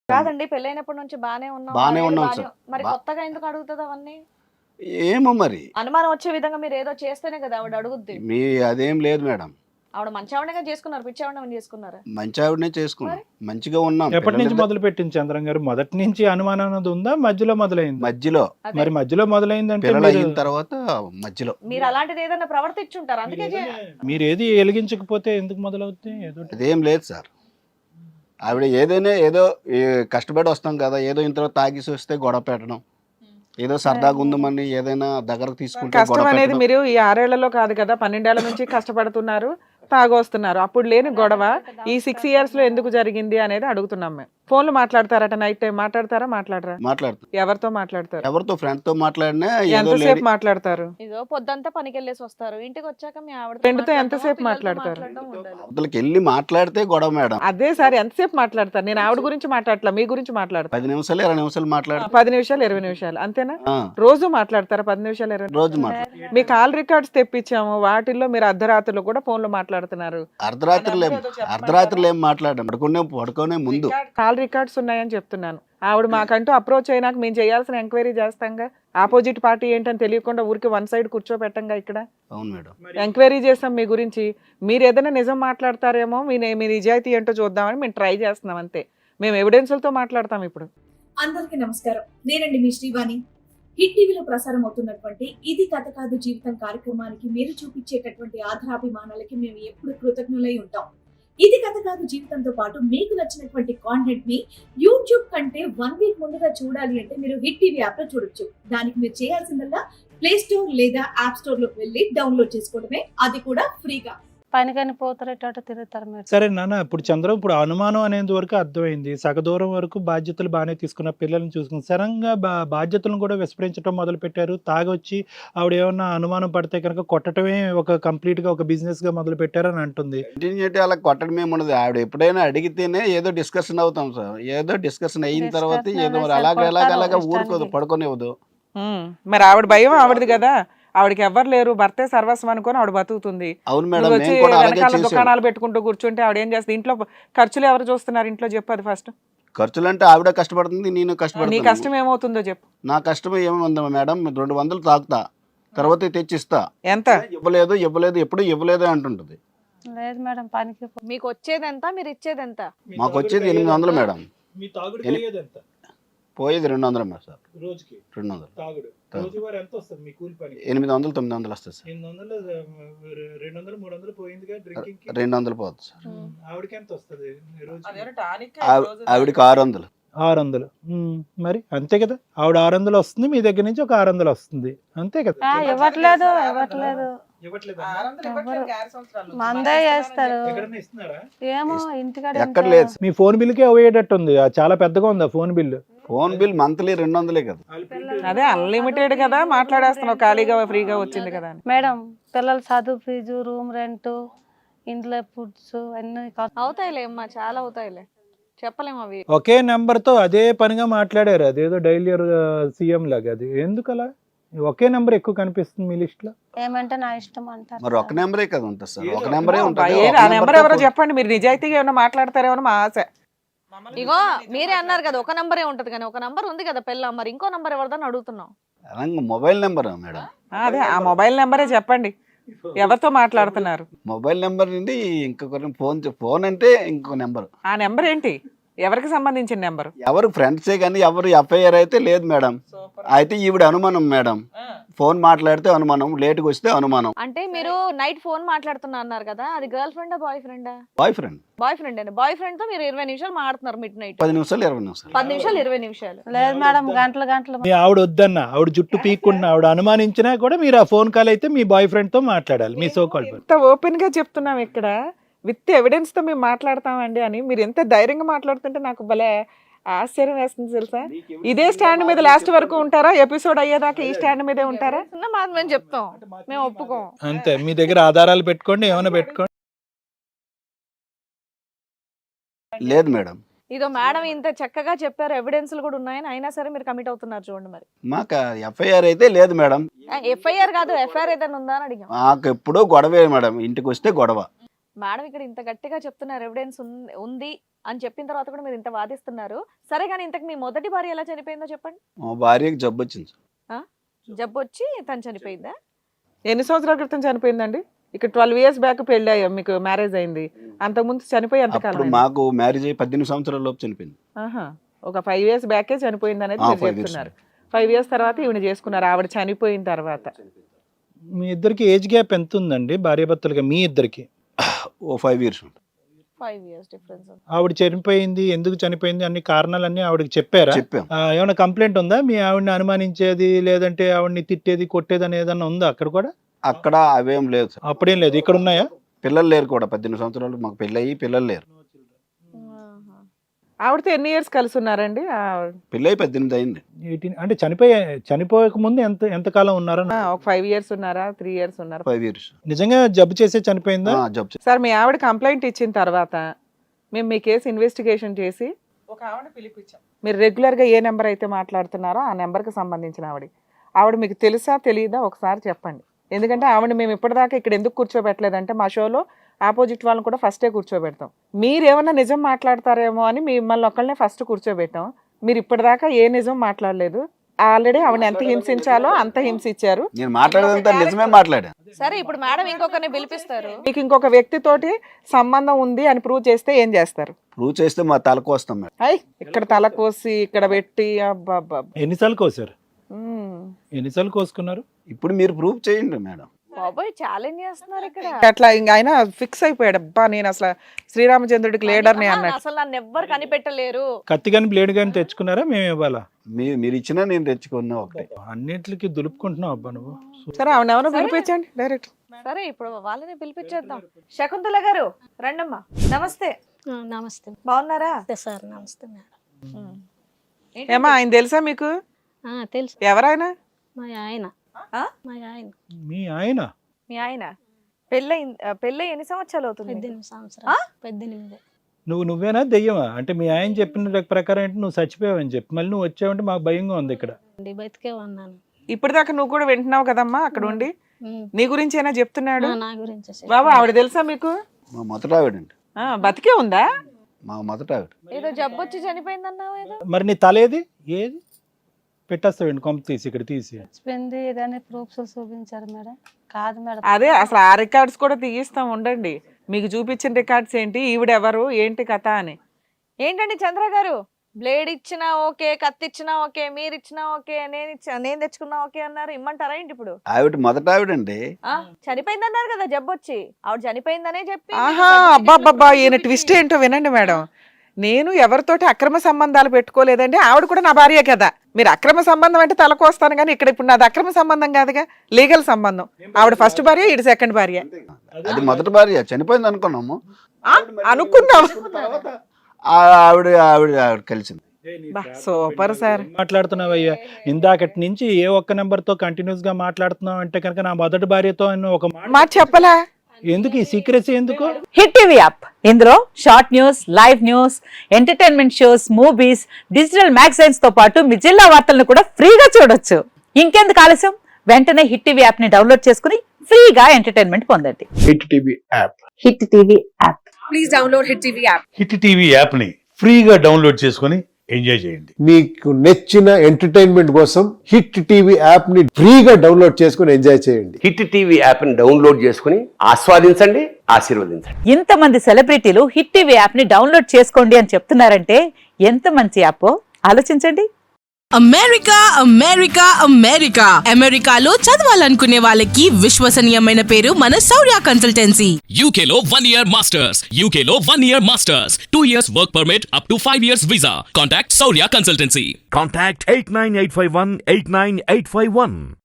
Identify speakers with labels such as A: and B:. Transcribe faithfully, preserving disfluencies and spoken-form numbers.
A: కాదండి పెళ్ళైనప్పటి నుంచి బానే ఉన్నాం
B: బానే
A: ఆరేళ్ళు
B: ఉన్నాం
A: బానే
B: సార్.
A: మరి
B: బా-
A: కొత్తగా ఎందుకు అడుగుతుంది అవన్నీ
B: ఏమో మరి
A: అనుమానం వచ్చే విధంగా మీరు ఏదో చేస్తేనే కదా ఆవిడ అడుగుద్ది
B: మీ అదేం లేదు మేడం.
A: ఆవిడ మంచి ఆవిడగా చేసుకున్నారు పిచ్చి ఆవిడ చేసుకున్నారా
B: మంచి ఆవిడనే చేసుకున్నాం, మంచిగా ఉన్నాం.
C: ఎప్పటి నుంచి
B: పిల్లలిద్దరు
C: మొదలు పెట్టింది చంద్రం గారు? మొదటి నుంచి అనుమానం అనేది ఉందా, మధ్యలో మొదలైంది?
B: మధ్యలో
A: అదే
C: మరి మధ్యలో మొదలైందంటే
B: పిల్లలు
C: మీరు
B: అయిన తర్వాత మధ్యలో
A: మీరు అలాంటిది ఏదైనా ప్రవర్తించుంటారు అందుకే చే-
C: మీరు ఏది వెలిగించకపోతే ఎందుకు మొదలవుతుంది? ఏదో ఒకటి.
B: అదేం లేదు సార్. ఆవిడ ఏదైనా ఏదో ఈ కష్టపడి వస్తాం కదా, ఏదో ఇంతలో తాగేసి వస్తే గొడవ పెట్టడం, ఏదో సరదాగా ఉందమని ఏదైనా దగ్గరకు తీసుకుంటే
D: కష్టం
B: గొడవ
D: అనేది
B: పెట్టడం.
D: మీరు ఈ ఆరేళ్లలో కాదు కదా, పన్నెండేళ్ల నుంచి కష్టపడుతున్నారు, తాగొస్తున్నారు. అప్పుడు లేని గొడవ ఈ సిక్స్ ఇయర్స్ లో ఎందుకు జరిగింది అనేది అడుగుతున్నాం మేము. ఫోన్లు మాట్లాడతారట, నైట్ టైం మాట్లాడతారా? మాట్లాడరా?
B: మాట్లాడుతాం.
D: ఎవరితో మాట్లాడతారు?
B: ఎవరితో ఫ్రెండ్ తో మాట్లాడినా ఏదో
D: ఎంతసేపు
B: లేడీ
D: మాట్లాడతారు?
A: ఇదో పొద్దంతా పనికి వెళ్ళేసి వస్తారు ఇంటికి వచ్చాక మీ ఆవిడ
D: ఫ్రెండ్తో ఎంతసేపు మాట్లాడతారు?
B: అవతలకి వెళ్ళి మాట్లాడితే గొడవ మేడం.
D: అదే సార్, ఎంతసేపు మాట్లాడతారు? నేను ఆవిడ గురించి మాట్లాడట్లా, మీ గురించి మాట్లాడతాను.
B: పది నిమిషాలు ఇరవై నిమిషాలు మాట్లాడితే
D: పది నిమిషాలు ఇరవై నిమిషాలు అంతేనా?
B: ఆ,
D: రోజు మాట్లాడతారా పది నిమిషాలు ఇరవై నిమిషాలు?
B: రోజు మాట్లాడు.
D: మీ కాల్ రికార్డ్స్ తెప్పించాము, వాటిల్లో మీరు అర్ధరాత్రులు కూడా ఫోన్లో మాట్లాడుతున్నారు.
B: అర్ధరాత్రులు ఏం అర్ధరాత్రులు ఏం మాట్లాడడం, పడుకునే పడుకునే ముందు
D: కాల్ రికార్డ్స్ ఉన్నాయని చెప్తున్నాను. ఆవిడ మాకంటూ అప్రోచ్ అయినాక మేము చేయాల్సిన ఎంక్వైరీ చేస్తాంగా. ఆపోజిట్ పార్టీ ఏంటని తెలియకుండా ఊరికి వన్ సైడ్ కూర్చోబెట్టంగా ఇక్కడ.
B: అవును మేడం.
D: ఎంక్వైరీ చేస్తాం మీ గురించి. మీరు ఏదైనా నిజం మాట్లాడతారేమో, మీ మీ నిజాయితీ ఏంటో చూద్దామని మేము ట్రై చేస్తున్నాం అంతే. మేము ఎవిడెన్స్లతో మాట్లాడతాం ఇప్పుడు.
E: అందరికీ నమస్కారం, నేనండి మీ శ్రీవాణి. హిట్ టీవీలో ప్రసారం అవుతున్నటువంటి ఇది కథ కాదు జీవితం కార్యక్రమానికి మీరు చూపించేటటువంటి ఆధారాభిమానాలకి మేము ఎప్పుడు కృతజ్ఞులై ఉంటాం. ఇది కథ కాదు జీవితంతో పాటు మీకు నచ్చినటువంటి కాంటెంట్ ని యూట్యూబ్ కంటే వన్ వీక్ ముందుగా చూడాలి అంటే మీరు హిట్ టీవీ యాప్ లో చూడొచ్చు. దానికి మీరు చేయాల్సిందల్లా ప్లే స్టోర్ లేదా యాప్ స్టోర్ లోకి వెళ్ళి డౌన్లోడ్ చేసుకోవడమే, అది కూడా ఫ్రీగా.
F: పనికని పోతారేటట్టు తిరుగుతారు మీరు.
C: సరే నాన్న, ఇప్పుడు చంద్రం ఇప్పుడు అనుమానం అనేది వరకు అర్థమైంది, సగ దూరం వరకు బాధ్యతలు బాగానే తీసుకున్న, పిల్లల్ని చూసుకుని సడన్గా బా బాధ్యతలను కూడా విస్మరించడం మొదలు పెట్టారు. తాగొచ్చి ఆవిడ ఏమన్నా అనుమానం పడితే కనుక కొట్టడమే ఒక కంప్లీట్ గా ఒక బిజినెస్ గా మొదలు పెట్టారని అంటుంది.
B: కంటిన్యూటీ అలా కొట్టడం ఏమి ఉండదు. ఆవిడ ఎప్పుడైనా అడిగితేనే ఏదో డిస్కషన్ అవుతాం సార్. ఏదో డిస్కషన్ అయిన తర్వాత
F: Discussion
B: ఏదో మరి
F: అసలు
B: అలాగ అలాగ
F: కొడతారు
B: అలాగ
F: ఇష్టానికి.
B: ఊరుకోదు, పడుకోనివ్వదు.
D: ఉమ్, మరి ఆవిడ భయం ఆవిడది కదా, ఆవిడకి ఎవ్వరు లేరు, భర్తే సర్వస్వం అనుకొని ఆవిడ బతుకుతుంది.
B: అవును మేడం,
D: నువ్వు వచ్చి
B: మేము కూడా అలాగే
D: వెనకాల
B: చేసాం.
D: దుకాణాలు పెట్టుకుంటూ కూర్చుంటే ఆవిడ ఏం చేస్తుంది? ఇంట్లో ఖర్చులు ఎవరు చూస్తున్నారు ఇంట్లో చెప్పు అది ఫస్ట్.
B: ఖర్చులు అంటే ఆవిడ కష్టపడుతుంది, నేను
D: నీ
B: కష్టపడుతున్నాను.
D: కష్టం ఏమవుతుందో చెప్పు.
B: నా కష్టం ఏముందా మేడం, రెండు వందలు తాగుతా, తర్వాత తెచ్చిస్తా.
D: ఎంత?
B: ఇవ్వలేదు ఇవ్వలేదు ఎప్పుడు ఇవ్వలేదు అంటుంటది.
F: లేదు మేడం పనికి పో-
A: మీకు వచ్చేది ఎంత మీరు ఇచ్చేది ఎంత
B: మాకు వచ్చేది ఎనిమిది వందలు మేడం,
C: మీ తాగుడు
B: ఎన్ని-
C: పోయేది ఎంత?
B: పోయేది రెండు వందలు మేడం సార్.
C: రోజుకి
B: రెండు వందలు
C: తాగుడు
B: తాగుడు.
C: రోజువారీ ఎంత వస్తుంది మీ కూలి పని?
B: ఎనిమిది వందలు తొమ్మిది వందలు వస్తుంది సార్.
C: ఎనిమిది వందలు రెండు వందలు మూడు వందలు పోయిందిగా డ్రింకింగ్ కి.
B: రెండు వందలు పోతుంది సార్.
C: ఆవిడకి ఎంత వస్తుంది రోజు?
B: ఆవి- ఆవిడకి ఆరు వందలు.
C: ఆరు వందలు. ఉమ్, మరి అంతే కదా, ఆవిడ ఆరు వందలు వస్తుంది, మీ దగ్గర నుంచి ఒక ఆరు వందలు వస్తుంది, అంతే కదా.
F: ఆ, ఇవ్వట్లేదు ఇవ్వట్లేదు
C: ఇవ్వట్లేదా?
F: మందే చేస్తారు.
C: ఎక్కడన్నా ఇస్తున్నారా?
F: ఏమో ఇంటికాడ
B: ఎక్కడ లేదు సార్.
C: మీ ఫోన్ బిల్కే అయ్యేటట్టు ఉంది, ఆ చాలా పెద్దగా ఉంది ఆ phone bill.
B: Phone bill monthly రెండు వందలే కదా.
D: అదే అన్లిమిటెడ్ కదా, మాట్లాడేస్తున్నావు, ఖాళీగా ఫ్రీగా వచ్చింది కదా అని.
F: మేడం పిల్లల చదువు ఫీజు, రూమ్ రెంట్, ఇంట్లో ఫుడ్స్ అన్ని ఖర్చు.
A: అవుతాయిలే అమ్మా చాలా అవుతాయిలే చెప్పలేము అవి.
C: ఒకే నెంబర్ తో అదే పనిగా మాట్లాడారు, అదేదో డైలీ సీఎం లాగా. అది ఎందుకు అలా ఒకే నెంబర్ ఎక్కువ కనిపిస్తుంది మీ లిస్ట్ లో?
F: ఏమంటే నా ఇష్టం అంటారు.
B: మరి ఒక నెంబరే కదా ఉంటుంది సార్, ఒక నెంబరే
D: అబ్బా,
B: ఉంటుంది.
D: ఏ-
B: ఒక
D: ఆ నెంబర్
B: నెంబర్తో
D: ఎవరో
B: పో-
D: చెప్పండి, మీరు నిజాయితీగా ఏమైనా మాట్లాడతారేమో మా ఆశ.
A: ఇగో మీరే అన్నారు కదా ఒక నంబరే ఉంటది కానీ ఒక నంబర్ ఉంది కదా పిల్ల, మరి ఇంకో నంబర్ ఎవరిదని అడుగుతున్నాం.
B: అలాగే మొబైల్ నెంబర్ మేడం,
D: ఆ, అదే ఆ మొబైల్ నెంబరే చెప్పండి, ఎవరితో మాట్లాడుతున్నారు?
B: మొబైల్ నెంబర్ నుండి ఇంకొకరి ఫోన్ ఫోన్ అంటే ఇంకొక నెంబర్.
D: ఆ నెంబర్ ఏంటి? ఎవరికి సంబంధించిన నెంబర్?
B: ఎవరు ఫ్రెండ్సే కానీ ఎవరు ఎఫ్ఐఆర్ అయితే లేదు మేడం. అయితే ఈవిడ అనుమానం మేడం, ఫోన్ మాట్లాడితే అనుమానం, లేట్గా వస్తే అనుమానం.
A: అంటే మీరు నైట్ ఫోన్ మాట్లాడుతున్నా అన్నారు కదా, అది గర్ల్ ఫ్రెండా బాయ్ ఫ్రెండా?
B: Boy friend.
A: బాయ్ ఫ్రెండ్ అండి. బాయ్ ఫ్రెండ్ తో మీరు ఇరవై నిమిషాలు మాట్లాడుతున్నారు మిడ్ నైట్.
B: పది నిమిషాలు ఇరవై నిమిషాలు
A: పది నిమిషాలు ఇరవై నిమిషాలు
F: లేదు మేడం గంటలు గంటలు.
C: మీ ఆవిడ వద్దన్న, ఆవిడ జుట్టు పీక్కుంటున్నా, ఆవిడ అనుమానించినా కూడా మీరు ఆ ఫోన్ కాల్ అయితే మీ బాయ్ ఫ్రెండ్ తో మాట్లాడాలి, మీ సో కాల్.
D: ఎంత ఓపెన్ గా చెప్తున్నాం ఇక్కడ, విత్ ఎవిడెన్స్ తో మేము మాట్లాడతామండి అని మీరు ఎంత ధైర్యంగా మాట్లాడుతుంటే నాకు భలే ఆశ్చర్యం వేస్తుంది తెలుసా. ఇదే స్టాండ్ మీద లాస్ట్ వరకు ఉంటారా? ఎపిసోడ్ అయ్యేదాకా ఈ స్టాండ్ మీదే ఉంటారా?
A: చిన్న మాట మేము చెప్తాం, మేము ఒప్పుకోం.
C: అంతే, మీ దగ్గర ఆధారాలు పెట్టుకోండి, ఏమైనా పెట్టుకోండి.
B: లేదు మేడం.
A: ఇదో మేడం ఇంత చక్కగా చెప్పారు, ఎవిడెన్స్లు కూడా ఉన్నాయని, అయినా సరే మీరు కమిట్ అవుతున్నారు చూడండి. మరి
B: మాకు ఎఫ్ఐఆర్ అయితే లేదు మేడం.
A: ఎఫ్ఐఆర్ కాదు ఎఫ్ఐఆర్ ఏదైనా ఉందా అని అడిగాం.
B: మాకు ఎప్పుడూ గొడవే మేడం, ఇంటికి వస్తే గొడవ.
A: మేడం ఇక్కడ ఇంత గట్టిగా చెప్తున్నారు ఎవిడెన్స్ ఉంది అని చెప్పిన తర్వాత కూడా మీరు ఇంత వాదిస్తున్నారు. సరే కానీ ఇంతకు మీ మొదటి భార్య ఎలా చనిపోయిందో చెప్పండి.
B: మా భార్యకి జబ్బు వచ్చింది సార్.
A: జబ్బు వచ్చి తను చనిపోయిందా?
D: ఎన్ని సంవత్సరాల క్రితం చనిపోయిందండి? ఇక్కడ ట్వెల్వ్ ఇయర్స్ బ్యాక్ పెళ్లి అయ్యా, మీకు మ్యారేజ్ అయింది. అంతకుముందు చనిపోయి ఎంత
B: అప్పుడు
D: కాలం?
B: మాకు మ్యారేజ్ అయ్యి పద్దెనిమిది సంవత్సరాల లోపు చనిపోయింది.
D: ఆహా, ఒక ఫైవ్ ఇయర్స్ బ్యాకే చనిపోయింది అనేది
B: ఆ,
D: మీరు
B: five years.
D: చెప్తున్నారు. ఫైవ్ ఇయర్స్ తర్వాత ఈవిడ చేసుకున్నారు, ఆవిడ చనిపోయిన తర్వాత.
C: మీ ఇద్దరికి ఏజ్ గ్యాప్ ఎంత ఉందండి భార్యాభర్తలుగా మీ ఇద్దరికి?
B: ఓ ఫైవ్ ఇయర్స్ ఉంటుంది.
A: Five years difference.
C: ఆవిడ చనిపోయింది, ఎందుకు చనిపోయింది, అన్ని కారణాలన్నీ ఆవిడకి చెప్పారా?
B: చెప్పాం.
C: ఆ, ఏమైనా కంప్లైంట్ ఉందా? మీ ఆవిడని అనుమానించేది లేదంటే ఆవిడని తిట్టేది కొట్టేది అని ఏదన్నా ఉందా అక్కడ కూడా?
B: అక్కడ అవేం లేదు సార్.
C: అప్పుడేం లేదు. ఇక్కడ ఉన్నాయా?
B: పిల్లలు లేరు కూడా. పద్దెనిమిది సంవత్సరాలు మాకు పెళ్ళి అయ్యి పిల్లలు లేరు.
D: ఆవిడతో ఎన్ని ఇయర్స్ కలిసి ఉన్నారండి?
B: పెళ్ళి అయ్యి పద్దెనిమిది అయింది.
C: ఎయిటీన్ అంటే చనిపోయే చనిపోయక ముందు ఎంత ఎంతకాలం ఉన్నారా?
D: ఆ, ఒక ఫైవ్ ఇయర్స్ ఉన్నారా, త్రీ ఇయర్స్ ఉన్నారా?
B: Five years.
C: నిజంగా జబ్బు చేసే చనిపోయిందా?
B: జబ్బు.
D: సార్, మీ ఆవిడ కంప్లైంట్ ఇచ్చిన తర్వాత మేము మీ కేసు ఇన్వెస్టిగేషన్ చేసి ఒక ఆవిడ పిలిపించాం. మీరు రెగ్యులర్గా ఏ నెంబర్ అయితే మాట్లాడుతున్నారో ఆ నెంబర్కి సంబంధించిన ఆవిడ ఆవిడ మీకు తెలుసా తెలియదా ఒకసారి చెప్పండి. ఎందుకంటే ఆవిడ మేము ఇప్పటిదాకా ఇక్కడ ఎందుకు కూర్చోబెట్టలేదంటే మా షోలో ఆపోజిట్ వాళ్ళని కూడా ఫస్టే కూర్చోబెడతాం. మీరేమన్నా నిజం మాట్లాడతారేమో అని మిమ్మల్ని ఒక్కళ్ళనే ఫస్ట్ కూర్చోబెట్టాం. మీరు ఇప్పటిదాకా ఏ నిజం మాట్లాడలేదు. ఆల్రెడీ ఆవిడ ఎంత హింసించాలో అంత హింసించారు.
B: నేను మాట్లాడేదంతా నిజమే మాట్లాడా.
A: సరే ఇప్పుడు మేడం ఇంకొకరిని పిలిపిస్తారు.
D: మీకు ఇంకొక వ్యక్తితోటి సంబంధం ఉంది అని ప్రూవ్ చేస్తే ఏం చేస్తారు?
B: ప్రూవ్ చేస్తే మా తలకు వస్తాం మేడం.
D: అయ్, ఇక్కడ తల కోసి ఇక్కడ పెట్టి అబ్బా అబ్బా.
C: ఎన్నిసార్లు కోసారు?
D: ఉమ్.
C: ఎన్నిసార్లు కోసుకున్నారు?
B: ఇప్పుడు మీరు ప్రూవ్ చేయండి మేడం.
A: బాబోయ్ ఛాలెంజ్ చేస్తున్నారు ఇక్కడ.
D: అట్లా ఇంకా ఆయన ఫిక్స్ అయిపోయాడు. అబ్బా నేను అసలు శ్రీరామచంద్రుడికి లీడర్ని అన్నట్టు.
A: అసలు నన్ను ఎవ్వరు కనిపెట్టలేరు.
C: కత్తి కానీ బ్లేడ్ కానీ తెచ్చుకున్నారా? మేము ఇవ్వాలా?
B: మీ మీరు ఇచ్చినా నేను తెచ్చుకున్నా ఒకటే.
C: అన్నిటికి దులుపుకుంటున్నావు అబ్బా నువ్వు.
D: సరే ఆవిడ ఎవరో పిలిపించండి డైరెక్ట్.
A: సరే ఇప్పుడు వాళ్ళని పిలిపించేద్దాం. శకుంతల గారు రండమ్మా. నమస్తే.
F: నమస్తే
A: బాగున్నారా?
F: సార్. నమస్తే మేడం.
D: ఏమా ఆయన తెలుసా మీకు?
F: తెలుసు.
D: ఎవరైనా?
F: మా ఆయన.
A: ఆ?
F: మా ఆయన
C: మీ ఆయన?
A: మీ ఆయన పెళ్ళై పెళ్ళై ఎన్ని సంవత్సరాలు అవుతుంది?
F: పద్దెనిమిది సంవత్సరాలు. పద్దెనిమిది.
C: నువ్వు నువ్వేనా దెయ్యమా? అంటే మీ ఆయన చెప్పిన ప్రకారం ఏంటి నువ్వు చచ్చిపోయావని చెప్పి మళ్ళీ నువ్వు వచ్చావంటే మాకు భయంగా ఉంది ఇక్కడ.
F: బతికే ఉన్నాను.
D: ఇప్పటిదాకా నువ్వు కూడా వింటున్నావు కదమ్మా అక్కడ ఉండి. నీ గురించి అయినా చెప్తున్నాడు.
F: నా గురించి
D: బాబా ఆవిడ తెలుసా మీకు?
B: మా మొదట ఆవిడండి.
D: ఆ, బతికే ఉందా?
B: మా మొదట ఆవిడ.
A: ఏదో జబ్బు వచ్చి చనిపోయిందన్నావు ఏదో.
C: మరి నీ తల ఏది? ఏది పెట్టేస్తావండి కొంప తీసి ఇక్కడ తీసి.
F: చచ్చిపోయింది ఏదైనా ప్రూఫ్స్ చూపించారు మేడం. కాదు మేడం.
D: అదే అసలు ఆ రికార్డ్స్ కూడా తీయిస్తాం ఉండండి. మీకు చూపించిన రికార్డ్స్ ఏంటి, ఈవిడెవరు, ఏంటి కథ అని.
A: ఏంటండి చంద్ర గారు, బ్లేడ్ ఇచ్చినా ఓకే, కత్తి ఇచ్చినా ఓకే, మీరు ఇచ్చినా ఓకే, నేను ఇచ్చా నేను తెచ్చుకున్నా ఓకే అన్నారు. ఇమ్మంటారా ఏంటి ఇప్పుడు?
B: ఆవిడ మొదట ఆవిడండి.
A: ఆ చనిపోయింది అన్నారు కదా జబ్బు వచ్చి. ఆవిడ చనిపోయిందనే చెప్పి.
D: ఆహా, అబ్బాబ్బా ఈయన ట్విస్ట్ ఏంటో వినండి మేడం. నేను ఎవరితోటి అక్రమ సంబంధాలు పెట్టుకోలేదండి. ఆవిడ కూడా నా భార్య కదా. మీరు అక్రమ సంబంధం అంటే తలకొస్తాను కానీ ఇక్కడ ఇప్పుడు నాది అక్రమ సంబంధం కాదుగా, లీగల్ సంబంధం. ఆవిడ ఫస్ట్ భార్య, ఈడు సెకండ్ భార్య.
B: అది మొదటి భార్య చనిపోయింది అనుకున్నాము.
D: అనుకున్నాం.
B: ఆవిడ ఆవిడ ఆవిడ కలిసింది.
D: Super sir.
C: మాట్లాడుతున్నావయ్యా ఇందాకటి నుంచి ఏ ఒక్క నెంబర్ తో కంటిన్యూస్ గా మాట్లాడుతున్నావు అంటే కనుక నా మొదటి భార్యతో ఒక
D: మాట చెప్పలా?
C: ఎందుకు ఈ సీక్రెసీ ఎందుకు?
G: హిట్ టీవీ యాప్, ఇందులో short news, live news, entertainment shows, movies, digital magazines తో పాటు మీ జిల్లా వార్తలను కూడా ఫ్రీగా చూడొచ్చు. ఇంకెందుకు ఆలస్యం, వెంటనే హిట్ టీవీ యాప్ ని డౌన్లోడ్ చేసుకుని ఫ్రీగా ఎంటర్టైన్మెంట్ పొందండి.
H: Hit TV app.
G: Hit TV app.
E: Please download hit TV app.
H: Hit TV app ని ఫ్రీగా డౌన్లోడ్ చేసుకుని ఎంజాయ్ చేయండి.
I: మీకు నచ్చిన ఎంటర్టైన్మెంట్ కోసం హిట్ టీవీ యాప్ ని ఫ్రీగా డౌన్లోడ్ చేసుకుని ఎంజాయ్ చేయండి.
J: హిట్ టీవీ యాప్ ని డౌన్లోడ్ చేసుకుని ఆస్వాదించండి, ఆశీర్వదించండి.
G: ఇంతమంది సెలబ్రిటీలు హిట్ టీవీ యాప్ ని డౌన్లోడ్ చేసుకోండి అని చెప్తున్నారంటే ఎంత మంచి యాప్ ఆలోచించండి.
K: అమెరికా అమెరికా అమెరికా అమెరికాలో చదవాలనుకునే వాళ్ళకి విశ్వసనీయమైన పేరు మన శౌర్య కన్సల్టెన్సీ.
L: యూకేలో వన్ ఇయర్ మాస్టర్స్, యూకేలో one year masters, two years work permit, up to five years visa. Contact Shaurya consultancy.
M: Contact eight nine eight five one eight nine eight five one.